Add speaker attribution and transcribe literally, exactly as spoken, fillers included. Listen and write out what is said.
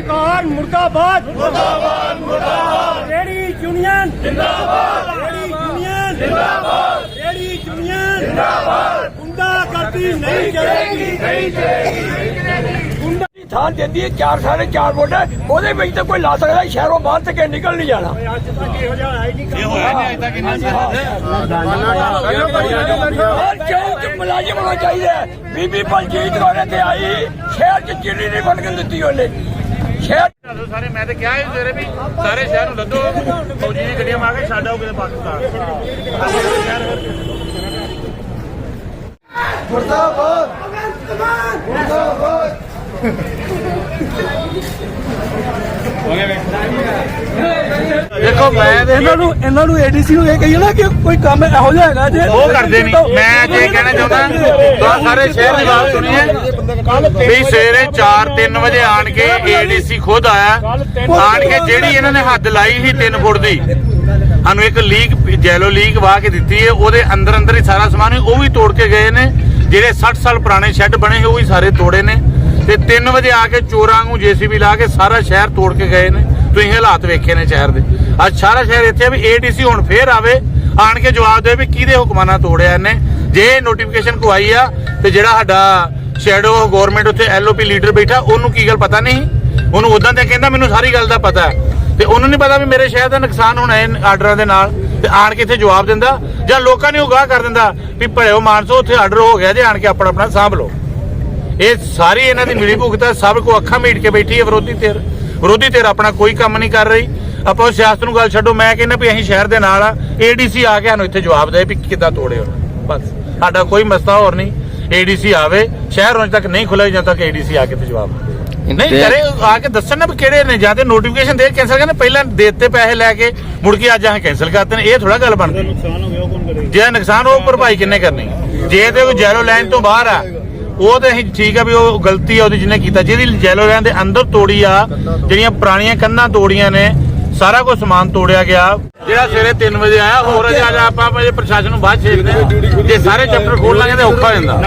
Speaker 1: सरकार मुर्दाबाद मुर्दाबाद मुर्दाबाद रेडी यूनियन जिंदाबाद रेडी यूनियन जिंदाबाद रेडी यूनियन जिंदाबाद गुंडागर्दी नहीं चलेगी नहीं चलेगी गुंडा थान देती है चार साढ़े चार वोट है ਉਹਦੇ ਵਿੱਚ ਤਾਂ ਕੋਈ ਲਾ ਸਕਦਾ ਸ਼ਹਿਰੋਂ ਬਾਹਰ ਤੱਕ ਨਿਕਲ ਨਹੀਂ ਜਾਣਾ ਅੱਜ ਤੱਕ ਇਹੋ ਜਿਹਾ ਆਇਆ ਨਹੀਂ ਇਹ ਹੋਇਆ ਨਹੀਂ ਅੱਜ ਤੱਕ ਇੰਨਾ ਹਰ ਚੌਂਕ ਚ ਮੁਲਾਜ਼ਮ ਹੋਣਾ ਚਾਹੀਦਾ ਬੀਬੀ ਬਲਜੀਤ ਕੌਰ ਤੇ ਆਈ ਸ਼ਹਿਰ ਚ ਚਿੜੀ ਨਹੀਂ ਬਣ ਕੇ ਦਿੱਤੀ ਉਹਨੇ ਸ਼ਹਿਰ
Speaker 2: ਸਾਰੇ ਮੈਂ ਤੇ ਕਿਹਾ ਸੀ ਤੇਰੇ ਵੀ ਸਾਰੇ ਸ਼ਹਿਰ ਨੂੰ ਲੱਦੋ ਫੌਜੀ ਦੀ ਗੱਡੀਆਂ ਮਾਰ ਕੇ ਛੱਡ ਆਓ ਕਿਤੇ ਪਾਕਿਸਤਾਨ
Speaker 1: ਮੁਰਦਾਬਾਦ ਮੁਰਦਾਬਾਦ
Speaker 3: देखो मैं इन्हों एडीसी ਨੂੰ ਇਹ ਕਹੀਏ ਨਾ ਕਿ ਕੋਈ ਕੰਮ ਇਹੋ ਜਿਹਾ ਹੈਗਾ ਜੇ
Speaker 2: ਉਹ ਕਰਦੇ ਨਹੀਂ ਮੈਂ ਅੱਜ ਇਹ ਕਹਿਣਾ ਚਾਹੁੰਦਾ ਤਾਂ ਸਾਰੇ ਸ਼ਹਿਰ ਦੀ ਗੱਲ ਸੁਣੀਏ ਵੀ ਸਵੇਰੇ ਚਾਰ ਤਿੰਨ ਵਜੇ ਆਣ ਕੇ ਏਡੀਸੀ ਖੁਦ ਆਇਆ ਆਣ ਕੇ ਜਿਹੜੀ ਇਹਨਾਂ ਨੇ ਹੱਦ ਲਾਈ ਸੀ ਤਿੰਨ ਫੁੱਟ ਦੀ ਸਾਨੂੰ ਇੱਕ ਲੀਕ ਜੈਲੋ ਲੀਕ ਵਾਹ ਕੇ ਦਿੱਤੀ ਹੈ ਉਹਦੇ ਅੰਦਰ ਅੰਦਰ ਹੀ ਸਾਰਾ ਸਮਾਨ ਉਹ ਵੀ ਤੋੜ ਕੇ ਗਏ ਨੇ ਜਿਹੜੇ ਸੱਠ ਸਾਲ ਪੁਰਾਣੇ ਸ਼ੈੱਡ ਬਣੇ ਉਹ ਵੀ ਸਾਰੇ ਤੋੜੇ ਨੇ ਤੇ ਤਿੰਨ ਵਜੇ ਆ ਕੇ ਚੋਰਾਂ ਨੂੰ ਜੇਸੀਬੀ ਲਾ ਕੇ ਸਾਰਾ ਸ਼ਹਿਰ ਤੋੜ ਕੇ ਗਏ ਨੇ ਤੁਸੀਂ ਹਾਲਾਤ ਵੇਖੇ ਨੇ ਸ਼ਹਿਰ ਦੇ ਅੱਜ ਸਾਰਾ ਸ਼ਹਿਰ ਇੱਥੇ ਵੀ ਏਡੀਸੀ ਹੁਣ ਫੇਰ ਆਵੇ ਆਣ ਕੇ ਜਵਾਬ ਦੇ ਵੀ ਕਿਹਦੇ ਹੁਕਮਾਂ ਨਾਲ ਤੋੜਿਆ ਇਹਨੇ ਜੇ ਨੋਟੀਫਿਕੇਸ਼ਨ ਕਵਾਈ ਆ ਤੇ ਜਿਹੜਾ ਸਾਡਾ ਸ਼ੈਡੋ ਗਵਰਨਮੈਂਟ ਉੱਤੇ ਐਲਓਪੀ ਲੀਡਰ ਬੈਠਾ ਉਹਨੂੰ ਕੀ ਗੱਲ ਪਤਾ ਨਹੀਂ ਉਹਨੂੰ ਉਦਾਂ ਤੇ ਕਹਿੰਦਾ ਮੈਨੂੰ ਸਾਰੀ ਗੱਲ ਦਾ ਪਤਾ ਤੇ ਉਹਨੂੰ ਨਹੀਂ ਪਤਾ ਵੀ ਮੇਰੇ ਸ਼ਹਿਰ ਦਾ ਨੁਕਸਾਨ ਹੋਣਾ ਇਹ ਆਰਡਰਾਂ ਦੇ ਨਾਲ ਤੇ ਆਣ ਕੇ ਇੱਥੇ ਜਵਾਬ ਦਿੰਦਾ ਜਾਂ ਲੋਕਾਂ ਨੂੰ ਉਗਾਹ ਕਰ ਦਿੰਦਾ ਵੀ ਭਲਿਓ ਮਾਨਸੋ ਉੱਥੇ ਆਰਡਰ ਹੋ ਗਿਆ ਜੇ ਆਣ ਕੇ ਆਪਣਾ ਆਪਣਾ ਸਾਂਭ ਲਓ ਇਹ ਸਾਰੀ ਇਹਨਾਂ ਦੀ ਮਿਲੀ ਭੁਗਤ ਹੈ ਸਭ ਕੋ ਅੱਖਾਂ ਮੀਟ ਕੇ ਬੈਠੀ ਹੈ ਵਿਰੋਧੀ ਧਿਰ ਵਿਰੋਧੀ ਧਿਰ ਆਪਣਾ ਕੋਈ ਕੰਮ ਨਹੀਂ ਕਰ ਰਹੀ ਆਪਾਂ ਸਿਆਸਤ ਨੂੰ ਗੱਲ ਛੱਡੋ ਮੈਂ ਕਹਿੰਦਾ ਵੀ ਅਸੀਂ ਸ਼ਹਿਰ ਦੇ ਨਾਲ ਆ ਏਡੀਸੀ ਆ ਕੇ ਸਾਨੂੰ ਇੱਥੇ ਜਵਾਬ ਦੇ ਵੀ ਕਿੱਦਾਂ ਤੋੜੇ ਹੋ ਬਸ ਸਾਡਾ ਕੋਈ ਮਸਲਾ ਹੋਰ ਨਹੀਂ ਏਡੀਸੀ ਆਵੇ ਸ਼ਹਿਰ ਹੁਣ ਤੱਕ ਨਹੀਂ ਖੁੱਲ੍ਹਾ ਜਦੋਂ ਤੱਕ ਏਡੀਸੀ ਆ ਕੇ ਤੇ ਜਵਾਬ ਨਹੀਂ ਕਰੇ ਆ ਕੇ ਦੱਸਣ ਨਾ ਵੀ ਕਿਹੜੇ ਨੇ ਜਾਂ ਤੇ ਨੋਟੀਫਿਕੇਸ਼ਨ ਦੇ ਕੈਂਸਲ ਕਰਨੇ ਪਹਿਲਾਂ ਦੇਤੇ ਪੈਸੇ ਲੈ ਕੇ ਮੁੜ ਕੇ ਅੱਜ ਅਸੀਂ ਕੈਂਸਲ ਕਰਤੇ ਨੇ ਇਹ ਥੋੜਾ ਗੱਲ ਬਣਦੀ ਨੁਕਸਾਨ ਹੋ ਗਿਆ ਉਹ ਕੌਣ ਕਰੇ
Speaker 3: ਜੇ ਨੁਕਸਾਨ ਉਹ ਭਰਪਾਈ ਕਿੰਨੇ ਕਰਨੀ ਜੇ ਤੇ ਕੋਈ ਜੈਲੋ ਲਾਈਨ ਤੋਂ ਬਾਹਰ ਆ ਉਹ ਤੇ ਅਸੀਂ ਠੀਕ ਆ ਵੀ ਉਹ ਗਲਤੀ ਆ ਉਹਦੀ ਜਿਹਨੇ ਕੀਤਾ ਜਿਹਦੀ ਜੈਲੋ ਲਾਈਨ ਦੇ ਅੰਦਰ ਤੋੜੀ ਆ ਜਿਹੜੀਆਂ ਪੁਰਾਣੀਆਂ ਕੰਧਾਂ ਤੋੜੀਆਂ ਨੇ ਸਾਰਾ ਕੁਝ ਸਮਾਨ ਤੋੜਿਆ ਗਿਆ ਜਿਹੜਾ ਸਵੇਰੇ ਤਿੰਨ ਵਜੇ ਆਇਆ ਹੋਰ ਅੱਜ ਆਪਾਂ ਪ੍ਰਸ਼ਾਸਨ ਨੂੰ ਬਾਅਦ ਛੇਕਦੇ ਜੇ ਸਾਰੇ ਚੈਪਟਰ ਖੋਲ ਲਾਂਗੇ ਤੇ ਔਖਾ ਹੋ ਜਾਂਦਾ